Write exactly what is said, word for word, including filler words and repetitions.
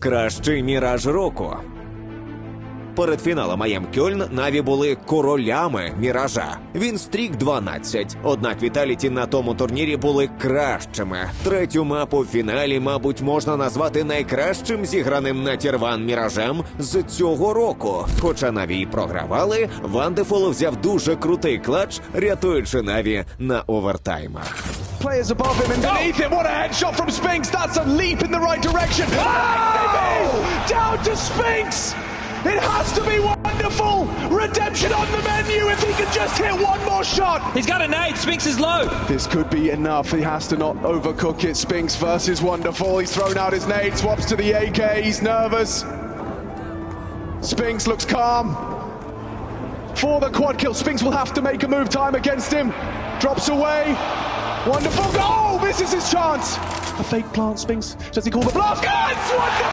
Кращий міраж року. Перед фіналом ай ем Кьольн Наві були королями міража. Він стрік дванадцять, однак Віталіті на тому турнірі були кращими. Третю мапу в фіналі, мабуть, можна назвати найкращим зіграним на Тір-один міражем з цього року. Хоча Наві й програвали, Вандефул взяв дуже крутий клатч, рятуючи Наві на овертаймах. Players above him and beneath him. What a headshot from Spinks. That's a leap in the right direction. Oh! Down to Spinks. It has to be Wonderful. Redemption on the menu if he can just hit one more shot. He's got a nade. Spinks is low. This could be enough. He has to not overcook it. Spinks versus Wonderful. He's thrown out his nade. Swaps to the A K. He's nervous. Spinks looks calm. For the quad kill, Spinks will have to make a move. Time against him. Drops away. Wonderful. Oh, misses his chance. A fake plant, Spinks. Does he call the blast? Yes! Wonderful!